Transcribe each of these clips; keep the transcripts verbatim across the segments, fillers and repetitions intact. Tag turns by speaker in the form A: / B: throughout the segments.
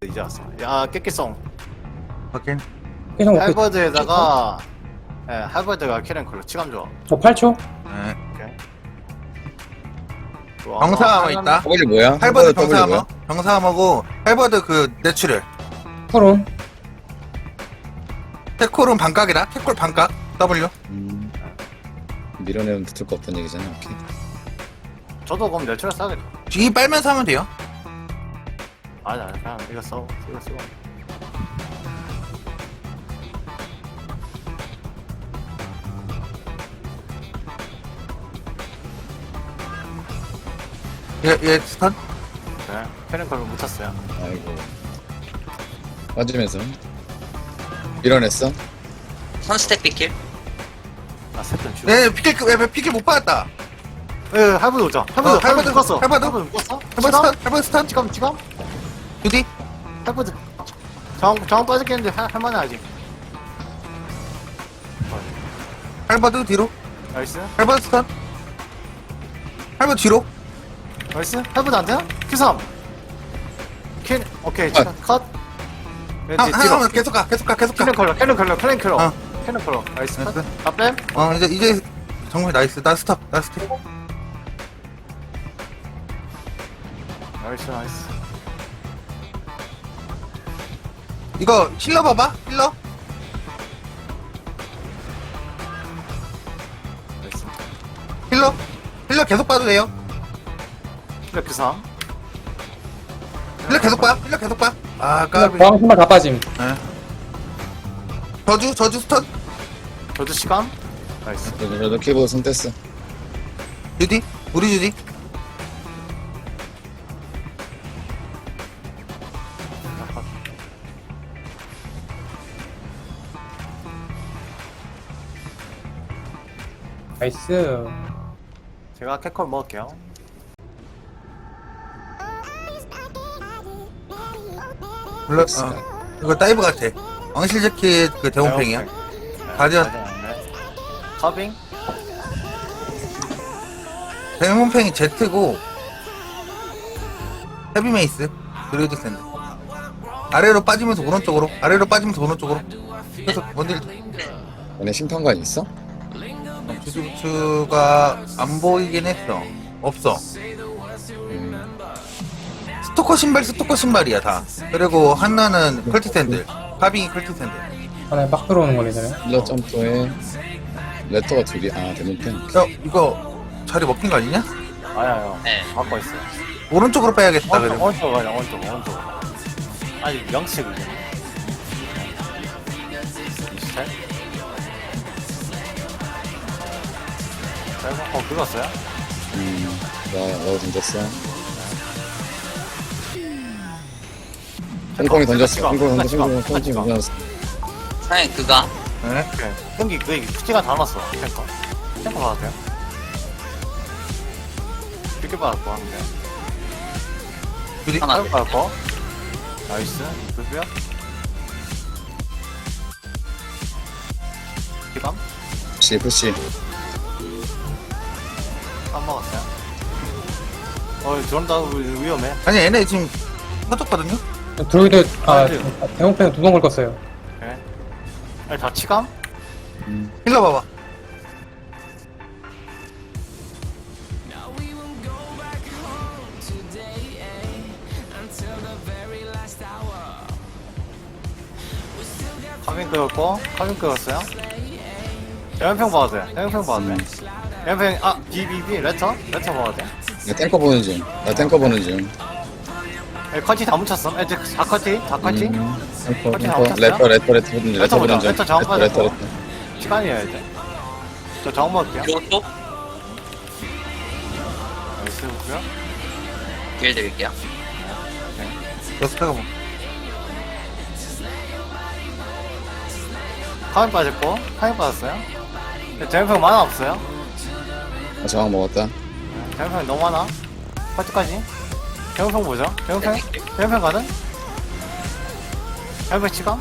A: 이제 왔어. 야 깨끼송.
B: 확인.
C: 계속 먹고
A: 할버드에다가 예 할버드가 캐랭컬로 치감 좋아.
C: 저 팔 초?
B: 네.
A: 오케이.
B: 병사함어 있다.
D: 더블이 뭐야?
B: 할버드
D: 더블이
B: 병사함어.
D: 뭐야?
B: 병사함어고 할버드 그 내추럴.
C: 푸론
B: 테콜은 반각이다. 테콜 반각. W.
D: 음, 밀어내면 붙을 거 없다는 얘기잖아. 오케이.
A: 저도 그럼 내추럴 싸겠다.
B: G 빨면서 하면 돼요.
A: 아니 아니 그냥 이거 써 이거 써.
B: 얘, 얘 스턴.
A: 네 캐랭컬로 묻혔어요.
D: 아이고. 맞으면서 밀어냈어.
E: 선스택 비킬.
A: 나 세턴 주.
B: 얘 피킬 왜 피킬 못 받았다.
A: 예 할버드 오자. 할버드
B: 어,
A: 할버드
B: 할버드,
A: 묶었어.
B: 할버드.
A: 할버드 묶었어.
B: 할버드 스턴. 할버드 스턴.
A: 치감 치감.
B: 주디.
A: 할버드. 정 정원 빠졌겠는데 할 할만해 아직.
B: 할버드 뒤로.
A: 나이스.
B: 할버드 스턴. 할버드 뒤로.
A: 나이스. 할버드 안 되나? 큐삼. 캔 오케이
D: 아.
A: 컷. 네,
B: 한,
A: 뒤-
B: 한,
A: 뒤로.
B: 한, 계속 가, 계속 가, 계속 가.
A: 캐논 컬러, 캐논 컬러, 캐논 컬러,
B: 어.
A: 캐논 컬러. 나이스.
B: 나이스.
A: 다 뺨.
B: 어, 이제, 이제, 정말 나이스. 나 스톱, 나 스톱.
A: 나이스, 나이스.
B: 이거 힐러 봐봐, 힐러.
A: 나이스.
B: 힐러. 힐러 계속 봐도 돼요.
A: 이렇게 삼.
B: 힐러 계속 봐, 힐러 계속 봐. 아, 까비.
C: 저항 신발 다 빠짐.
B: 네. 저주, 저주 스턴.
A: 저도 시간. 나이스.
D: 저도 저도 키보드 손 뗐어.
B: 주디, 우리 주디.
C: 나이스.
A: 제가 캐컬 먹을게요.
B: 물론, 어, 이거 다이브 같아. 왕실 재킷 그 대원팽이야.
A: 네,
B: 가디언.
A: 네. 커빙.
B: 대원팽이 Z고, 헤비메이스, 드루이드 샌드. 아래로 빠지면서 오른쪽으로, 아래로 빠지면서 오른쪽으로. 그래서 뭔들
D: 얘네 심판관 있어?
B: 주주가 안 보이긴 했어. 없어.
D: 음,
B: 스토커 신발, 스토커 신발이야 다. 그리고 하나는 컬티 샌들, 카빙이 컬티 샌들.
C: 하나에 막 들어오는 거네, 저는.
D: 힐러 점프에 레터가 둘이 아 대문펜.
B: 야, 이거 자리 먹힌 거 아니냐?
A: 아야요.
E: 네.
A: 바꿔 있어요.
B: 오른쪽으로 빼야겠다.
A: 오른쪽,
B: 그래.
A: 오른쪽 가자, 오른쪽, 오른쪽. 아니 영칙. 이스타일. 자, 이거 어 긁었어요?
D: 음, 나 너 던졌어. 홍콩이 던졌어. 홍콩이 던졌어. 홍콩이 던졌어.
E: 사장님 그가.
B: 네.
A: 오케이. 형기 그 피지가 다 남았어. 탱커. 탱커 받아도 돼요? 이렇게 받았고 하는데.
B: 주디.
E: 하나.
A: 탱커 받았고. 나이스. 그고요. 기감?
D: 푸시 푸시.
A: 안 먹었어요. 어, 저런다 위험해.
B: 아니 얘네 지금 터졌거든요.
C: 드로이드, 아,
A: 드로이드.
C: 대형팬 두 번 긁었어요.
A: 오케이. 아니 다 치감?
D: 음,
B: 힐러 봐봐.
A: 카빈 끄었고, 카빈 끄었어요. 연평 봐도 돼. 연평 봐도 돼. 연평 아 비비비 레터 레터 봐도 돼.
D: 나 탱커 보는 중. 나 탱커 보는 중.
A: 에, 커티 다 묻혔어. 에, 다 커티, 다 커티.
D: 음, 탱커
A: 커티
D: 탱커
A: 나오셨어요?
D: 레터 레터 레터 보는 중.
A: 레터
D: 레터 보는
A: 보자.
D: 중.
A: 레터 정확
D: 레터 레터
A: 받았고.
D: 레터.
A: 시간이어야 돼. 저 정원 먹을게요.
E: 이것도
A: 나이스 보고요.
E: 길 드릴게요.
B: 러스타가 뭐.
A: 카빈 빠졌고, 카빈 빠졌어요. 대연평 만화 없어요.
D: 아, 저항 먹었다.
A: 대연평 너무 많아. 커티까지. 대연평 보죠. 대연평, 대연평 가든. 대연평 치감.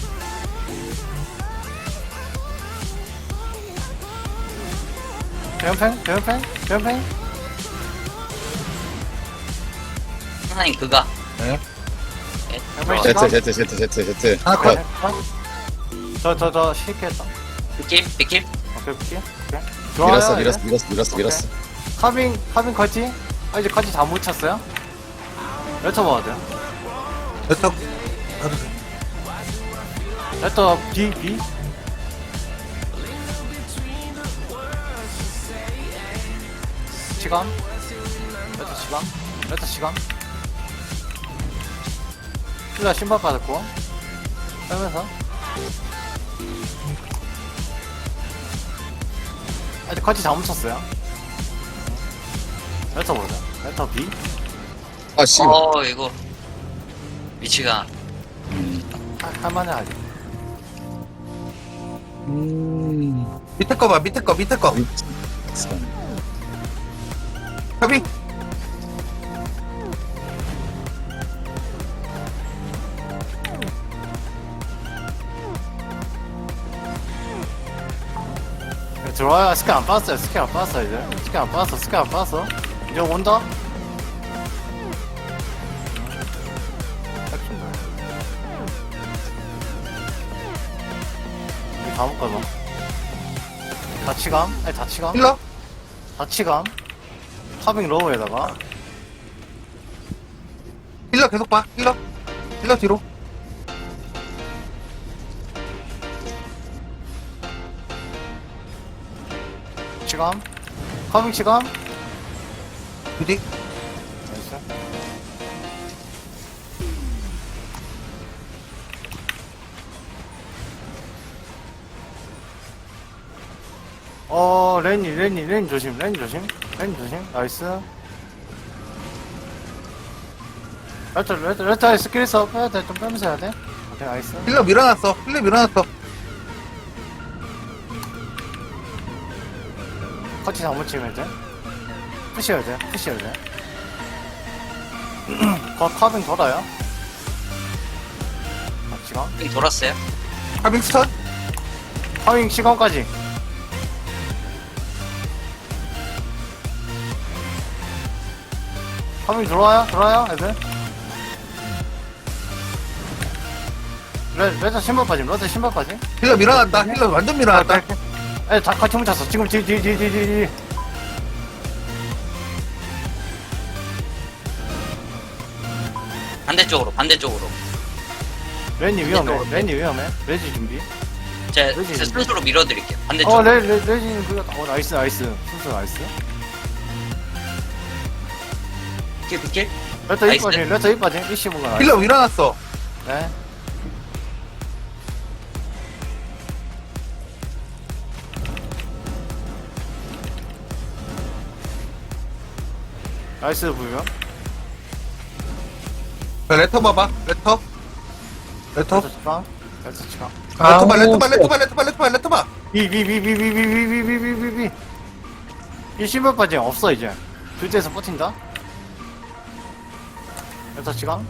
A: 대연팽? 대연팽? 대연팽?
E: 사장님 그가.
B: 네.
E: 예.
A: 양평
D: Z
A: 시간.
D: Z Z Z Z.
B: 하나 컷.
A: 저저저 쉽게 했다.
E: 빅킬 빅킬.
A: 오케이 오케이. 오케이.
D: 밀었어
A: 좋아요.
D: 밀었어
A: 이제.
D: 밀었어 밀었어 밀었어.
A: 카빙 카빙 커지. 아 이제 커지 다 묻혔어요. 레터 봐야 돼요.
B: 레터 가도 돼.
A: 레터 B B. 시간. 레터 시간. 레터 시간. 힐라 신발 받았고. 빼면서. 아직 커지 다 묻혔어요. 레터 보자. 레터 B.
D: 아 씨.
E: 어 이거 위치가
A: 할- 할만해 아직.
D: 음.
B: 밑에 거 봐, 밑에 거, 밑에 거. 카빙.
A: 들어와요. 스킬 안 빠졌어요. 스킬 안 빠졌어 이제. 스킬 안 빠졌어. 스킬 안 빠졌어. 이제 온다. 이 다음 거죠. 다치감? 아니 다치감?
B: 힐러.
A: 다치감? 카빙 로우에다가
B: 힐러 계속 봐. 힐러. 힐러 뒤로.
A: 치감? 카빙 치감?
B: 부디.
A: 나이스. 어, 레니, 레니, 레니 조심, 레니 조심, 레니 조심, 나이스. 레터, 레터, 레터에 스킬 써, 빼야 돼, 좀 빼면서 해야 돼. 오케이, 나이스.
B: 힐러 밀어놨어. 힐러 밀어놨어.
A: 커치 잘못 치면 돼. 푸시해야 돼, 푸시해야 돼. 거 카빙 돌아요. 아, 시간?
E: 빅 돌았어요.
B: 카빙 스턴.
A: 카빙 시간까지. 카빙 들어와요? 들어와요? 애들? 레, 레저 신발 빠짐, 레저 신발 빠짐.
B: 힐러 밀어놨다. 힐러 완전 밀어놨다.
A: 애, 다 같이 뭉쳤어. 지금 뒤, 뒤, 뒤, 뒤, 뒤, 뒤.
E: 반대쪽으로 반대쪽으로.
A: 레니 위험해.
E: 왼쪽으로.
A: 레니 위험해. 레지 준비.
E: 제가
A: 그러지.
E: 스스로 밀어드릴게요.
A: 어,
E: 반대쪽으로.
A: 레, 레, 레지는 그거, 어, 나이스, 나이스. 순수 나이스.
E: 빅킬 빅킬.
A: 레터
E: 나이스.
A: 이빠짐, 레터 이빠짐. 이십오가 나이스.
B: 힐러 밀어놨어.
A: 네. 나이스 부여.
B: 자, 레터 봐봐. 레터. 레터.
A: 레터 치방. 레터 치방.
B: 레터 봐, 레터 봐, 레터 봐, 레터 봐, 레터 봐, 레터 봐.
A: 비비비비비비비비비비비비. 이 신발 빠짐 없어 이제. 둘째에서 버틴다. 레터 치방.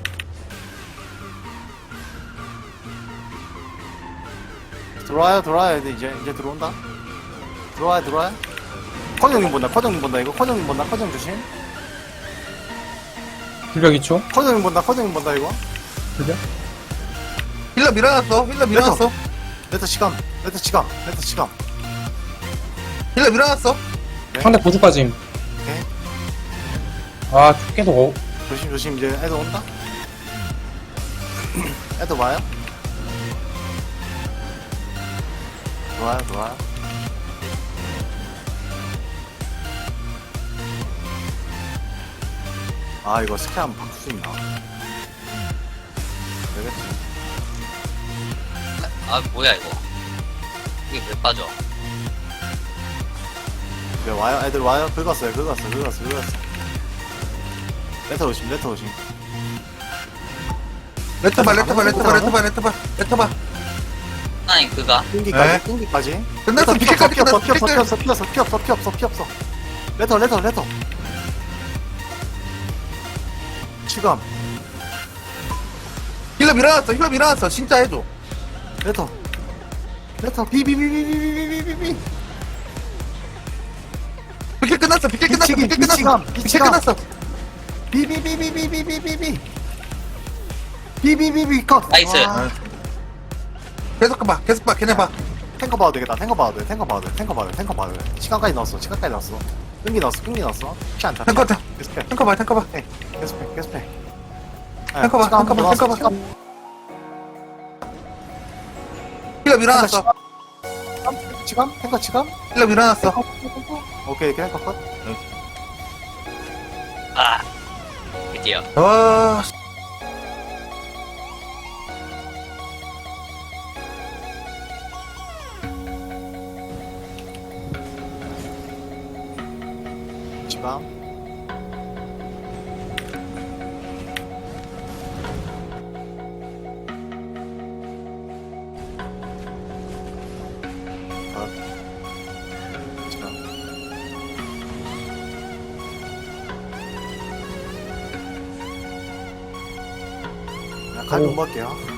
A: 들어와요, 들어와요. 이제 이제 이제 들어온다. 들어와요, 들어와요. 커정님 본다, 커정님 본다. 이거 커정님 본다, 커정 조심.
C: 불벽 이 초.
A: 커정님 본다, 커정님 본다 이거.
C: 불벽.
B: 힐러 밀어놨어. 힐러 밀어놨어.
A: 레터 치감, 레터 치감, 레터 치감.
B: 힐러 밀어놨어.
C: 상대 보조 빠짐.
A: 오케이.
C: 아, 계속 어,
A: 조심 조심 이제 애들 온다. 애들 와요. 좋아요, 좋아요. 아 이거 스킬 한번 바꿀 수 있나? 되겠지.
E: 아 뭐야 이거. 이게 왜 빠져?
A: 네, 와요, 애들 와요. 긁었어요, 긁었어, 긁었어, 긁었어. 레터 오심, 레터 오심.
B: 레터 봐, 레터 봐, 레터 봐, 레터 봐, 레터 봐, 레터 봐.
E: 아니 그가
A: 끈기까지,
B: 네.
A: 끈기까지.
B: 끝났어.
A: 피
B: 피켓까지
A: 없어,
B: 끝났어.
A: 피 없어, 피
B: 피켓.
A: 없어, 피 없어, 피 없어, 피 없어, 피 없어. 레터, 레터, 레터. 치감,
B: 힐러 밀어놨어. 힐러 밀어놨어. 진짜 해줘.
A: 레터. 레터, 비비비비비비비비비.
B: 피켓 끝났어. 피켓 끝났어.
A: 미치기,
B: 피켓 끝났어.
A: 미치감,
B: 피켓
A: 미치감.
B: 끝났어.
A: 비비비비비비비비비. 비비비비 컷.
E: 나이스.
A: 와,
B: 계속 봐 계속 봐 걔네 봐
A: 탱커 봐도 되겠다. 탱커 봐도 돼. 탱커 봐도 돼. 탱커 봐도 돼. 탱커 봐도 돼. 시간까지 넣었어. 시간까지 넣었어. 끈기 넣었어. 끈기 넣었어. 피 안 차.
B: 탱커 탱
A: 계속해.
B: 탱커 봐 탱커 봐
A: 계속해. 계속해.
B: 탱커 봐, 탱커 봐, 탱커 봐. 힐러 밀어놨어
A: 지금? 탱커 지금?
B: 힐러 밀어놨어
A: 오케이, 탱커 컷.
E: 아. 드디어.
B: 아
A: 지방. 컷. 지방. 야, 갈비 못 먹을게요.